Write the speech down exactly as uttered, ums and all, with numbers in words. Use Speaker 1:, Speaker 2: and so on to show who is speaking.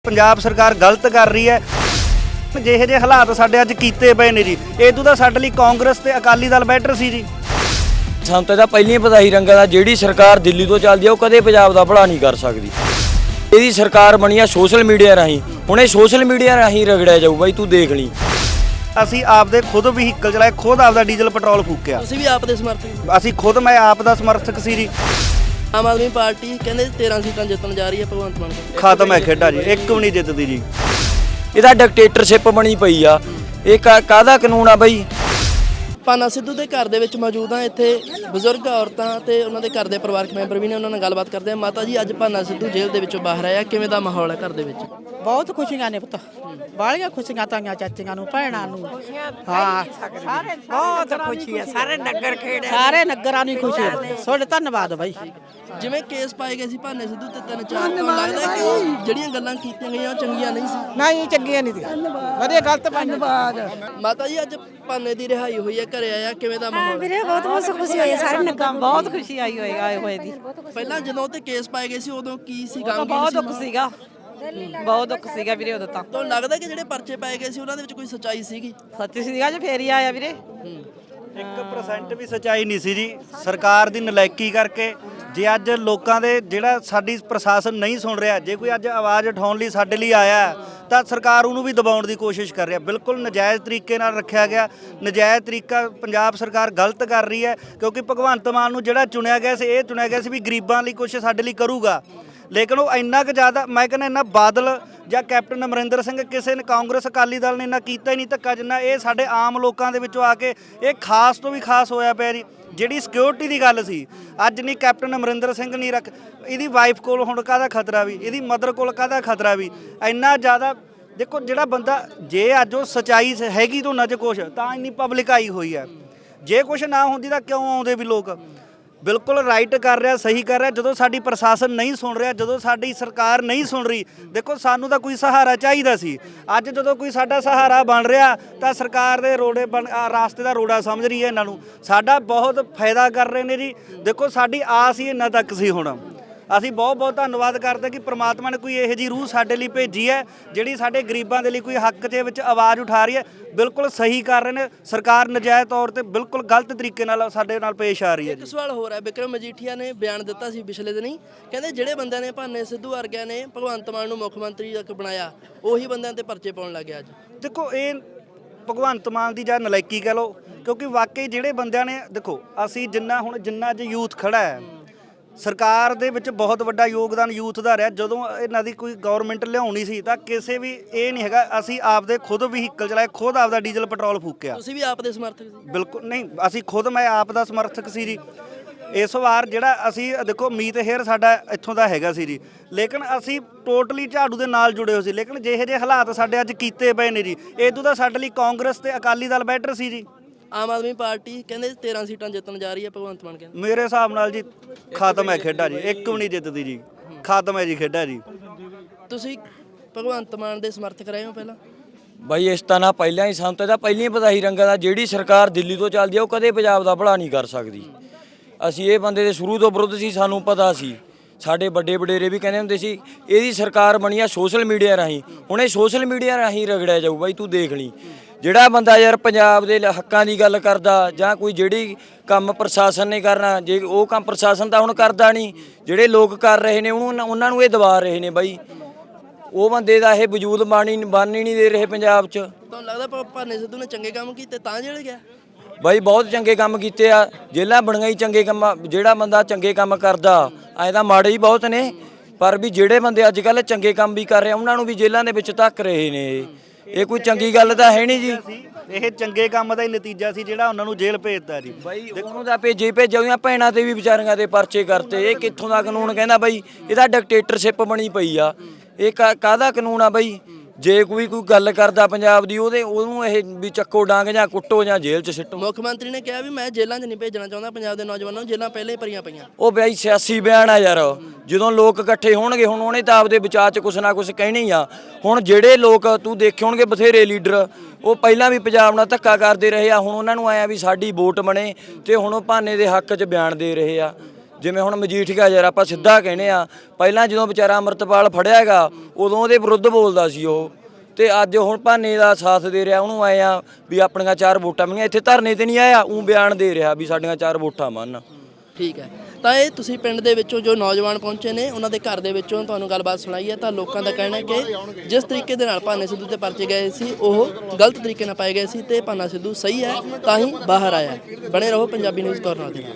Speaker 1: पंजाब सरकार गलत कर रही है। ਜਿਹੇ ਜਿਹੇ ਹਾਲਾਤ ਸਾਡੇ ਅੱਜ ਕੀਤੇ ਪਏ ਨੇ ਜੀ, ਇਦੋਂ ਤਾਂ ਸਾਡੇ ਲਈ ਕਾਂਗਰਸ ਤੇ ਅਕਾਲੀ ਦਲ ਬੈਟਰ ਸੀ ਜੀ।
Speaker 2: ਸਾਨੂੰ ਤਾਂ ਪਹਿਲਾਂ ਹੀ ਪਤਾ ਹੀ ਰੰਗਾ ਦਾ ਜਿਹੜੀ ਸਰਕਾਰ ਦਿੱਲੀ ਤੋਂ ਚੱਲਦੀ ਆ ਉਹ ਕਦੇ ਪੰਜਾਬ ਦਾ ਭਲਾ ਨਹੀਂ ਕਰ ਸਕਦੀ। ਇਹਦੀ ਸਰਕਾਰ ਬਣੀ ਆ ਸੋਸ਼ਲ ਮੀਡੀਆ ਰਾਹੀਂ, ਹੁਣ ਇਹ ਸੋਸ਼ਲ ਮੀਡੀਆ ਰਾਹੀਂ ਰਗੜਿਆ ਜਾਊ ਬਾਈ, ਤੂੰ ਦੇਖ ਲਈ।
Speaker 1: ਅਸੀਂ ਆਪਦੇ ਖੁਦ ਵਹੀਕਲ ਚਲਾਏ, ਖੁਦ ਆਪਦਾ ਡੀਜ਼ਲ ਪੈਟਰੋਲ ਫੂਕਿਆ।
Speaker 3: ਤੁਸੀਂ ਵੀ ਆਪ ਦੇ ਸਮਰਥਕ?
Speaker 1: ਅਸੀਂ ਖੁਦ, ਮੈਂ ਆਪ ਦਾ ਸਮਰਥਕ ਸੀ ਜੀ।
Speaker 3: ਆਮ ਆਦਮੀ ਪਾਰਟੀ ਕਹਿੰਦੇ ਤੇਰਾਂ ਸੀਟਾਂ ਜਿੱਤਣ ਜਾ ਰਹੀ ਹੈ ਭਗਵੰਤ ਮਾਨ ਕੋਲ।
Speaker 1: ਖਤਮ ਹੈ ਖੇਡਾ ਜੀ, ਇੱਕ ਵੀ ਨਹੀਂ ਜਿੱਤਦੀ ਜੀ।
Speaker 2: ਇਹਦਾ ਡਿਕਟੇਟਰਸ਼ਿਪ ਬਣੀ ਪਈ ਆ। ਇਹ ਕਾਹਦਾ ਕਾਨੂੰਨ ਆ ਬਈ?
Speaker 3: ਭਾਨਾ ਸਿੱਧੂ ਦੇ ਘਰ ਦੇ ਵਿੱਚ ਮੌਜੂਦ ਹਾਂ। ਇੱਥੇ ਬਜ਼ੁਰਗ ਔਰਤਾਂ ਤੇ ਉਹਨਾਂ ਦੇ ਘਰ ਦੇ ਪਰਿਵਾਰਕ ਮੈਂਬਰ ਵੀ ਨੇ, ਉਹਨਾਂ ਨਾਲ ਗੱਲਬਾਤ ਕਰਦੇ ਆ। ਮਾਤਾ ਜੀ, ਅੱਜ ਭਾਨਾ ਸਿੱਧੂ ਜੇਲ੍ਹ ਦੇ ਵਿੱਚੋਂ ਬਾਹਰ ਆਇਆ, ਕਿਵੇਂ ਦਾ ਮਾਹੌਲ ਹੈ ਘਰ ਦੇ ਵਿੱਚ?
Speaker 4: ਬਹੁਤ ਖੁਸ਼ੀਆਂ ਨੇ ਪੁੱਤ, ਬਾਲੀਆਂ ਖੁਸ਼ੀਆਂ ਤਾਈਆਂ ਚਾਚੀਆਂ ਨੂੰ, ਭੈਣਾਂ ਨੂੰ। ਹਾਂ,
Speaker 5: ਬਹੁਤ ਖੁਸ਼ੀ ਹੈ, ਸਾਰੇ ਨਗਰ ਖੇੜੇ,
Speaker 4: ਸਾਰੇ ਨਗਰਾਂ ਨੂੰ ਖੁਸ਼ੀ ਹੈ। ਤੁਹਾਡਾ ਧੰਨਵਾਦ ਬਾਈ।
Speaker 3: ਜਿਵੇਂ ਕੇਸ ਪਾਏ ਗਏ ਸੀ ਭਾਨੇ ਸਿੱਧੂ ਤੇ ਤਿੰਨ ਚਾਰ, ਤੁਹਾਨੂੰ ਲੱਗਦਾ ਕਿ ਉਹ ਜਿਹੜੀਆਂ ਗੱਲਾਂ ਕੀਤੀਆਂ ਗਈਆਂ ਉਹ ਚੰਗੀਆਂ ਨਹੀਂ ਸੀ?
Speaker 4: ਨਹੀਂ, ਚੰਗੀਆਂ ਨਹੀਂ ਸੀ, ਵਧੀਆ ਗਲਤ ਧੰਨਵਾਦ।
Speaker 3: ਮਾਤਾ ਜੀ, ਅੱਜ ਭਾਨੇ ਦੀ ਰਿਹਾਈ ਹੋਈ ਹੈ, ਘਰੇ ਆਇਆ, ਕਿਵੇਂ ਦਾ ਮਾਹੌਲ?
Speaker 5: ਵੀਰੇ ਬਹੁਤ ਬਹੁਤ ਖੁਸ਼ੀ ਹੋਈ ਹੈ, ਸਾਰੇ ਨਗਰ
Speaker 4: ਬਹੁਤ ਖੁਸ਼ੀ ਆਈ ਹੋਏ ਆਏ ਹੋਏ ਦੀ।
Speaker 3: ਪਹਿਲਾਂ ਜਦੋਂ ਤੇ ਕੇਸ ਪਾਏ ਗਏ ਸੀ ਉਦੋਂ ਕੀ ਸੀ? ਗਮ
Speaker 4: ਬਹੁਤ ਦੁੱਖ ਸੀਗਾ, ਬਹੁਤ ਦੁੱਖ ਸੀਗਾ ਵੀਰੇ ਉਦੋਂ ਤਾਂ।
Speaker 3: ਤੁਹਾਨੂੰ ਲੱਗਦਾ ਕਿ ਜਿਹੜੇ ਪਰਚੇ ਪਾਏ ਗਏ ਸੀ ਉਹਨਾਂ ਦੇ ਵਿੱਚ ਕੋਈ ਸੱਚਾਈ ਸੀਗੀ?
Speaker 4: ਸੱਚੀ ਸੀਗਾ ਜੇ ਫੇਰ ਹੀ ਆਇਆ ਵੀਰੇ।
Speaker 1: ਇੱਕ ਪਰਸੈਂਟ ਵੀ ਸੱਚਾਈ ਨਹੀਂ ਸੀ ਜੀ, ਸਰਕਾਰ ਦੀ ਨਲਾਇਕੀ ਕਰਕੇ। ਜੇ ਅੱਜ ਲੋਕਾਂ ਦੇ ਜਿਹੜਾ ਸਾਡੀ ਪ੍ਰਸ਼ਾਸਨ ਨਹੀਂ ਸੁਣ ਰਿਹਾ, ਜੇ ਕੋਈ ਅੱਜ ਆਵਾਜ਼ ਉਠਾਉਣ ਲਈ ਸਾਡੇ ਲਈ ਆਇਆ ਤਾਂ ਸਰਕਾਰ ਉਹਨੂੰ ਵੀ ਦਬਾਉਣ ਦੀ ਕੋਸ਼ਿਸ਼ ਕਰ ਰਿਹਾ। ਬਿਲਕੁਲ ਨਜਾਇਜ਼ ਤਰੀਕੇ ਨਾਲ ਰੱਖਿਆ ਗਿਆ, ਨਜਾਇਜ਼ ਤਰੀਕਾ ਪੰਜਾਬ ਸਰਕਾਰ ਗਲਤ ਕਰ ਰਹੀ ਹੈ। ਕਿਉਂਕਿ ਭਗਵੰਤ ਮਾਨ ਨੂੰ ਜਿਹੜਾ ਚੁਣਿਆ ਗਿਆ ਸੀ, ਇਹ ਚੁਣਿਆ ਗਿਆ ਸੀ ਵੀ ਗਰੀਬਾਂ ਲਈ ਕੁਛ ਸਾਡੇ ਲਈ ਕਰੂਗਾ, ਲੇਕਿਨ ਉਹ ਇੰਨਾ ਕੁ ਜ਼ਿਆਦਾ, ਮੈਂ ਕਹਿੰਦਾ ਇੰਨਾ ਬਾਦਲ ਜਾਂ ਕੈਪਟਨ ਅਮਰਿੰਦਰ ਸਿੰਘ, ਕਿਸੇ ਨੇ ਕਾਂਗਰਸ ਅਕਾਲੀ ਦਲ ਨੇ ਇੰਨਾ ਕੀਤਾ ਹੀ ਨਹੀਂ ਧੱਕਾ ਜਿੰਨਾ ਇਹ ਸਾਡੇ ਆਮ ਲੋਕਾਂ ਦੇ ਵਿੱਚੋਂ ਆ ਕੇ ਇਹ ਖਾਸ ਤੋਂ ਵੀ ਖਾਸ ਹੋਇਆ ਪਿਆ ਜੀ। ਜਿਹੜੀ ਸਿਕਿਉਰਿਟੀ ਦੀ ਗੱਲ ਸੀ, ਅੱਜ ਨਹੀਂ ਕੈਪਟਨ ਅਮਰਿੰਦਰ ਸਿੰਘ ਨਹੀਂ ਰੱਖ, ਇਹਦੀ ਵਾਈਫ ਕੋਲ ਹੁਣ ਕਾਹਦਾ ਖਤਰਾ ਵੀ, ਇਹਦੀ ਮਦਰ ਕੋਲ ਕਾਹਦਾ ਖਤਰਾ ਵੀ, ਇੰਨਾ ਜ਼ਿਆਦਾ। ਦੇਖੋ ਜਿਹੜਾ ਬੰਦਾ, ਜੇ ਅੱਜ ਉਹ ਸੱਚਾਈ ਹੈਗੀ ਤਾਂ ਉਹਨਾਂ 'ਚ ਕੁਛ ਤਾਂ ਇੰਨੀ ਪਬਲਿਕ ਆਈ ਹੋਈ ਹੈ। ਜੇ ਕੁਛ ਨਾ ਹੁੰਦੀ ਤਾਂ ਕਿਉਂ ਆਉਂਦੇ ਵੀ ਲੋਕ? ਬਿਲਕੁਲ ਰਾਈਟ ਕਰ ਰਿਹਾ, ਸਹੀ ਕਰ ਰਿਹਾ। ਜਦੋਂ ਸਾਡੀ ਪ੍ਰਸ਼ਾਸਨ ਨਹੀਂ ਸੁਣ ਰਿਹਾ, ਜਦੋਂ ਸਾਡੀ ਸਰਕਾਰ ਨਹੀਂ ਸੁਣ ਰਹੀ, ਦੇਖੋ ਸਾਨੂੰ ਤਾਂ ਕੋਈ ਸਹਾਰਾ ਚਾਹੀਦਾ ਸੀ। ਅੱਜ ਜਦੋਂ ਕੋਈ ਸਾਡਾ ਸਹਾਰਾ ਬਣ ਰਿਹਾ ਤਾਂ ਸਰਕਾਰ ਦੇ ਰੋੜੇ ਬਣ ਰਾਸਤੇ ਦਾ ਰੋੜਾ ਸਮਝ ਰਹੀ ਹੈ ਇਹਨਾਂ ਨੂੰ। ਸਾਡਾ ਬਹੁਤ ਫਾਇਦਾ ਕਰ ਰਹੇ ਨੇ ਜੀ। ਦੇਖੋ ਸਾਡੀ ਆਸ ਹੀ ਇਹਨਾਂ ਤੱਕ ਸੀ। ਹੁਣ ਅਸੀਂ ਬਹੁਤ ਬਹੁਤ ਧੰਨਵਾਦ ਕਰਦੇ ਕਿ ਪ੍ਰਮਾਤਮਾ ਨੇ ਕੋਈ ਇਹੋ ਜਿਹੀ ਰੂਹ ਸਾਡੇ ਲਈ ਭੇਜੀ ਹੈ ਜਿਹੜੀ ਸਾਡੇ ਗਰੀਬਾਂ ਦੇ ਲਈ ਕੋਈ ਹੱਕ ਦੇ ਵਿੱਚ ਆਵਾਜ਼ ਉਠਾ ਰਹੀ ਹੈ। ਬਿਲਕੁਲ ਸਹੀ ਕਰ ਰਹੇ ਨੇ। ਸਰਕਾਰ ਨਜਾਇਜ਼ ਤੌਰ ਤੇ ਬਿਲਕੁਲ ਗਲਤ ਤਰੀਕੇ ਨਾਲ ਸਾਡੇ ਨਾਲ ਪੇਸ਼ ਆ ਰਹੀ ਹੈ।
Speaker 3: ਇੱਕ ਸਵਾਲ ਹੋਰ ਹੈ, ਬਿਕਰਮ ਮਜੀਠੀਆ ਨੇ ਬਿਆਨ ਦਿੱਤਾ ਸੀ ਪਿਛਲੇ ਦਿਨੀ, ਕਹਿੰਦੇ ਜਿਹੜੇ ਬੰਦਿਆਂ ਨੇ ਭਾਨੇ ਸਿੱਧੂ ਵਰਗਿਆਂ ਨੇ ਭਗਵੰਤ ਮਾਨ ਨੂੰ ਮੁੱਖ ਮੰਤਰੀ ਤੱਕ ਬਣਾਇਆ, ਉਹੀ ਬੰਦਿਆਂ ਤੇ ਪਰਚੇ ਪਾਉਣ ਲੱਗ ਗਿਆ ਅੱਜ।
Speaker 1: ਦੇਖੋ ਇਹ ਭਗਵੰਤ ਮਾਨ ਦੀ ਜਾਂ ਨਲਾਇਕੀ ਕਹਿ ਲਓ, ਕਿਉਂਕਿ ਵਾਕਈ ਜਿਹੜੇ ਬੰਦਿਆਂ ਨੇ, ਦੇਖੋ ਅਸੀਂ ਜਿੰਨਾ ਹੁਣ ਜਿੰਨਾ ਅੱਜ ਯੂਥ ਖੜਾ ਹੈ, ਸਰਕਾਰ ਦੇ ਵਿੱਚ ਬਹੁਤ ਵੱਡਾ ਯੋਗਦਾਨ ਯੂਥ ਦਾ ਰਿਹਾ। ਜਦੋਂ ਇਹਨਾਂ ਦੀ ਕੋਈ ਗਵਰਨਮੈਂਟ ਲਿਆਉਣੀ ਸੀ ਤਾਂ ਕਿਸੇ ਵੀ ਇਹ ਨਹੀਂ ਹੈਗਾ, ਅਸੀਂ ਆਪਦੇ ਖੁਦ ਵਹੀਕਲ ਚਲਾਏ, ਖੁਦ ਆਪਦਾ ਡੀਜ਼ਲ ਪੈਟਰੋਲ ਫੂਕਿਆ।
Speaker 3: ਤੁਸੀਂ ਵੀ ਆਪ ਦੇ ਸਮਰਥਕ ਸੀ?
Speaker 1: ਬਿਲਕੁਲ ਨਹੀਂ, ਅਸੀਂ ਖੁਦ, ਮੈਂ ਆਪ ਦਾ ਸਮਰਥਕ ਸੀ ਜੀ। ਇਸ ਵਾਰ ਜਿਹੜਾ ਅਸੀਂ ਦੇਖੋ ਮੀਤ ਹੇਅਰ ਸਾਡਾ ਇੱਥੋਂ ਦਾ ਹੈਗਾ ਸੀ ਜੀ, ਲੇਕਿਨ ਅਸੀਂ ਟੋਟਲੀ ਝਾੜੂ ਦੇ ਨਾਲ ਜੁੜੇ ਹੋਏ ਸੀ। ਲੇਕਿਨ ਜਿਹੇ ਜਿਹੇ ਹਾਲਾਤ ਸਾਡੇ ਅੱਜ ਕੀਤੇ ਪਏ ਨੇ ਜੀ, ਇਦੋਂ ਤਾਂ ਸਾਡੇ ਲਈ ਕਾਂਗਰਸ ਤੇ ਅਕਾਲੀ ਦਲ ਬੈਟਰ ਸੀ ਜੀ।
Speaker 3: ਆਮ ਆਦਮੀ ਪਾਰਟੀ ਕਹਿੰਦੇ ਤੇਰਾਂ ਸੀਟਾਂ ਜਿੱਤਣ ਜਾ ਰਹੀ ਹੈ ਭਗਵੰਤ ਮਾਨ ਕਹਿੰਦੇ।
Speaker 1: ਮੇਰੇ ਹਿਸਾਬ ਨਾਲ ਜੀ ਖਤਮ ਹੈ ਖੇਡਾ ਜੀ, ਇੱਕ ਵੀ ਨਹੀਂ ਜਿੱਤਦੀ ਜੀ। ਖਤਮ ਹੈ ਜੀ ਖੇਡਾ ਜੀ।
Speaker 3: ਤੁਸੀਂ ਭਗਵੰਤ ਮਾਨ ਦੇ ਸਮਰਥਕ ਰਹੇ ਹੋ ਪਹਿਲਾਂ?
Speaker 2: ਬਾਈ ਇਸ ਤਾਂ ਨਾ ਪਹਿਲਾਂ ਹੀ, ਸਾਨੂੰ ਤਾਂ ਪਹਿਲਾਂ ਹੀ ਪਤਾ ਹੀ ਰੰਗਾ ਦਾ ਜਿਹੜੀ ਸਰਕਾਰ ਦਿੱਲੀ ਤੋਂ ਚੱਲਦੀ ਆ ਉਹ ਕਦੇ ਪੰਜਾਬ ਦਾ ਭਲਾ ਨਹੀਂ ਕਰ ਸਕਦੀ। ਅਸੀਂ ਇਹ ਬੰਦੇ ਦੇ ਸ਼ੁਰੂ ਤੋਂ ਵਿਰੁੱਧ ਸੀ, ਸਾਨੂੰ ਪਤਾ ਸੀ। ਸਾਡੇ ਵੱਡੇ ਵਡੇਰੇ ਵੀ ਕਹਿੰਦੇ ਹੁੰਦੇ ਸੀ ਇਹਦੀ ਸਰਕਾਰ ਬਣੀ ਆ ਸੋਸ਼ਲ ਮੀਡੀਆ ਰਾਹੀਂ, ਹੁਣ ਇਹ ਸੋਸ਼ਲ ਮੀਡੀਆ ਰਾਹੀਂ ਰਗੜਿਆ ਜਾਊ ਬਾਈ, ਤੂੰ ਦੇਖ ਲਈ। ਜਿਹੜਾ ਬੰਦਾ ਯਾਰ ਪੰਜਾਬ ਦੇ ਹੱਕਾਂ ਦੀ ਗੱਲ ਕਰਦਾ ਜਾਂ ਕੋਈ ਜਿਹੜੀ ਕੰਮ ਪ੍ਰਸ਼ਾਸਨ ਨੇ ਕਰਨਾ, ਜੇ ਉਹ ਕੰਮ ਪ੍ਰਸ਼ਾਸਨ ਤਾਂ ਹੁਣ ਕਰਦਾ ਨਹੀਂ, ਜਿਹੜੇ ਲੋਕ ਕਰ ਰਹੇ ਨੇ ਉਹਨੂੰ ਉਹਨਾਂ ਨੂੰ ਇਹ ਦਬਾ ਰਹੇ ਨੇ ਬਾਈ। ਉਹ ਬੰਦੇ ਦਾ ਇਹ ਵਜੂਦ ਬਾਣੀ ਬਣ ਹੀ ਨਹੀਂ ਦੇ ਰਹੇ ਪੰਜਾਬ 'ਚ।
Speaker 3: ਤੁਹਾਨੂੰ ਲੱਗਦਾ ਭਾਨੇ ਸਿੱਧੂ ਨੇ ਚੰਗੇ ਕੰਮ ਕੀਤੇ ਤਾਂ ਜੇਲ੍ਹ ਗਿਆ?
Speaker 2: ਬਾਈ ਬਹੁਤ ਚੰਗੇ ਕੰਮ ਕੀਤੇ ਆ, ਜੇਲ੍ਹਾਂ ਬਣੀਆਂ ਹੀ ਚੰਗੇ ਕੰਮ। ਜਿਹੜਾ ਬੰਦਾ ਚੰਗੇ ਕੰਮ ਕਰਦਾ, ਐਂ ਤਾਂ ਮਾੜੇ ਹੀ ਬਹੁਤ ਨੇ, ਪਰ ਵੀ ਜਿਹੜੇ ਬੰਦੇ ਅੱਜ ਕੱਲ੍ਹ ਚੰਗੇ ਕੰਮ ਵੀ ਕਰ ਰਹੇ ਉਹਨਾਂ ਨੂੰ ਵੀ ਜੇਲ੍ਹਾਂ ਦੇ ਵਿੱਚ ਧੱਕ ਰਹੇ ਨੇ। ਇਹ ਕੋਈ ਚੰਗੀ ਗੱਲ ਤਾਂ ਹੈ ਨਹੀਂ ਜੀ।
Speaker 1: ਇਹ ਚੰਗੇ ਕੰਮ ਦਾ ਹੀ ਨਤੀਜਾ ਸੀ ਜਿਹੜਾ ਉਹਨਾਂ ਨੂੰ ਜੇਲ੍ਹ ਭੇਜਤਾ ਜੀ।
Speaker 2: ਬਾਈ ਉਹਨੂੰ ਤਾਂ ਭੇਜੇ ਭੇਜੇ ਉਹਦੀਆਂ ਭੈਣਾਂ ਤੇ ਵੀ ਵਿਚਾਰੀਆਂ ਤੇ ਪਰਚੇ ਕਰਤੇ। ਇਹ ਕਿੱਥੋਂ ਦਾ ਕਾਨੂੰਨ ਕਹਿੰਦਾ ਬਾਈ? ਇਹਦਾ ਡਿਕਟੇਟਰਸ਼ਿਪ ਬਣੀ ਪਈ ਆ। ਇਹ ਕਾਹਦਾ ਕਾਨੂੰਨ ਆ ਬਾਈ? ਜੇ ਕੋਈ ਕੋਈ ਗੱਲ ਕਰਦਾ ਪੰਜਾਬ ਦੀ, ਉਹਦੇ ਉਹਨੂੰ ਇਹ ਵੀ ਚੱਕੋ ਡਾਂਗ ਜਾਂ ਕੁੱਟੋ ਜਾਂ ਜੇਲ੍ਹ 'ਚ ਸਿੱਟੋ।
Speaker 3: ਮੁੱਖ ਮੰਤਰੀ ਨੇ ਕਿਹਾ ਵੀ ਮੈਂ ਜੇਲ੍ਹਾਂ 'ਚ ਨਹੀਂ ਭੇਜਣਾ ਚਾਹੁੰਦਾ ਪੰਜਾਬ ਦੇ ਨੌਜਵਾਨਾਂ ਨੂੰ, ਜੇਲ੍ਹਾਂ ਪਹਿਲੇ ਭਰੀਆਂ ਪਈਆਂ।
Speaker 2: ਉਹ ਬਾਈ ਸਿਆਸੀ ਬਿਆਨ ਆ ਯਾਰ। ਜਦੋਂ ਲੋਕ ਇਕੱਠੇ ਹੋਣਗੇ, ਹੁਣ ਉਹਨੇ ਤਾਂ ਆਪਦੇ ਵਿਚਾਰ 'ਚ ਕੁਛ ਨਾ ਕੁਛ ਕਹਿਣਾ ਹੀ ਆ। ਹੁਣ ਜਿਹੜੇ ਲੋਕ ਤੂੰ ਦੇਖੇ ਹੋਣਗੇ ਬਥੇਰੇ ਲੀਡਰ, ਉਹ ਪਹਿਲਾਂ ਵੀ ਪੰਜਾਬ ਨਾਲ ਧੱਕਾ ਕਰਦੇ ਰਹੇ ਆ, ਹੁਣ ਉਹਨਾਂ ਨੂੰ ਆਇਆ ਵੀ ਸਾਡੀ ਵੋਟ ਬਣੇ ਤੇ ਹੁਣ ਉਹ ਭਾਨੇ ਦੇ ਹੱਕ 'ਚ ਬਿਆਨ ਦੇ ਰਹੇ ਆ। ਜਿਵੇਂ ਹੁਣ ਮਜੀਠੀਆ ਯਾਰ ਆਪਾਂ ਸਿੱਧਾ ਕਹਿੰਦੇ ਆ, ਪਹਿਲਾਂ ਜਦੋਂ ਵਿਚਾਰਾ ਅੰਮ੍ਰਿਤਪਾਲ ਫੜਿਆ ਹੈਗਾ ਉਦੋਂ ਉਹਦੇ ਵਿਰੁੱਧ ਬੋਲਦਾ ਸੀ ਉਹ, ਤੇ ਅੱਜ ਹੁਣ ਭਾਨੇ ਦਾ ਸਾਥ ਦੇ ਰਿਹਾ, ਉਹਨੂੰ ਆਏ ਆ ਵੀ ਆਪਣੀਆਂ ਚਾਰ ਵੋਟਾਂ ਮੰਗੀਆਂ। ਇੱਥੇ ਧਰਨੇ ਤੇ ਨਹੀਂ ਆਇਆ, ਉਹ ਬਿਆਨ ਦੇ ਰਿਹਾ ਵੀ ਸਾਡੀਆਂ ਚਾਰ ਵੋਟਾਂ ਮੰਨ।
Speaker 3: ਠੀਕ ਹੈ, ਤਾਂ ਇਹ ਤੁਸੀਂ ਪਿੰਡ ਦੇ ਵਿੱਚੋਂ ਜੋ ਨੌਜਵਾਨ ਪਹੁੰਚੇ ਨੇ ਉਹਨਾਂ ਦੇ ਘਰ ਦੇ ਵਿੱਚੋਂ ਤੁਹਾਨੂੰ ਗੱਲਬਾਤ ਸੁਣਾਈ ਹੈ, ਤਾਂ ਲੋਕਾਂ ਦਾ ਕਹਿਣਾ ਹੈ ਕਿ ਜਿਸ ਤਰੀਕੇ ਦੇ ਨਾਲ ਭਾਨੇ ਸਿੱਧੂ ਤੇ ਪਰਚੇ ਗਏ ਸੀ ਉਹ ਗਲਤ ਤਰੀਕੇ ਨਾਲ ਪਾਏ ਗਏ ਸੀ ਤੇ ਭਾਨਾ ਸਿੱਧੂ ਸਹੀ ਹੈ ਤਾਂ ਹੀ ਬਾਹਰ ਆਇਆ। ਬਣੇ ਰਹੋ ਪੰਜਾਬੀ ਨਿਊਜ਼ ਕਾਰਨਰ ਦੇ ਨਾਲ।